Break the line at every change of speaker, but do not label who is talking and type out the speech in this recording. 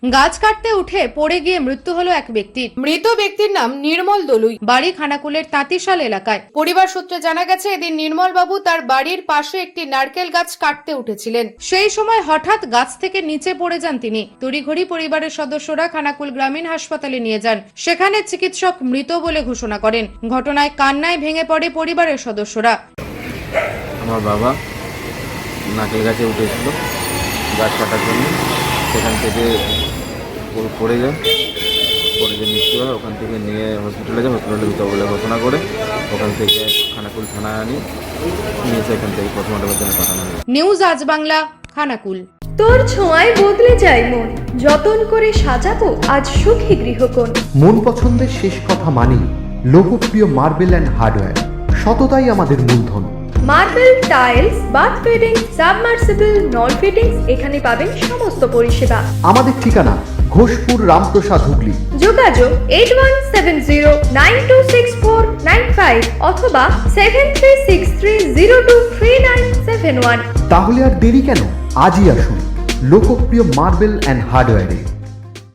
গাছ কাটতে উঠে পড়ে গিয়ে মৃত্যু হলো এক ব্যক্তির। মৃত ব্যক্তির নাম নির্মল দলুই, বাড়ি খানাকুলের তাঁতিশাল এলাকায়। পরিবার সূত্রে জানা গেছে, এদিন নির্মল বাবু তার বাড়ির পাশে একটি নারকেল গাছ কাটতে উঠেছিলেন। সেই সময় হঠাৎ গাছ থেকে নিচে পড়ে যান তিনি। তড়িঘড়ি পরিবারের সদস্যরা খানাকুল গ্রামীণ হাসপাতালে নিয়ে যান। সেখানে চিকিৎসক মৃত বলে ঘোষণা করেন। ঘটনায় কান্নায় ভেঙে পড়ে পরিবারের সদস্যরা।
আমার বাবা নারকেল গাছে উঠেছিল গাছ কাটার জন্য, সেখান থেকে পড়ে যায়, মৃত্যু হয়। ওখান থেকে নিয়ে হসপিটালে যায়, হসপিটালে মৃত বলে ঘোষণা করে ওখান থেকে খানাকুল থানায় নিয়ে সেখান থেকে পোস্টমর্টমের জন্য পাঠানো হয়।
নিউজ আজ বাংলা, খানাকুল।
তোর ছোঁয়ায় বদলে যায় মন, যতন করে সাজাবো আজ সুখী গৃহকোণ।
মন পছন্দের শেষ কথা মানি, লোকপ্রিয় মার্বেল অ্যান্ড হার্ডওয়্যার, সততাই আমাদের মূলধন।
Marble, tiles, bath fitting, submersible, নল ফিটিংস, এখানে পাবেন সমস্ত পরিষেবা।
আমাদের ঠিকানা ঘোষপুর, রামপ্রসাদ, হুগলি।
যোগাযোগ 8170926495 অথবা 7363023971।
তাহলে আর দেরি কেন, আজই আসুন লোকপ্রিয় মার্বেল অ্যান্ড হার্ডওয়্যারে।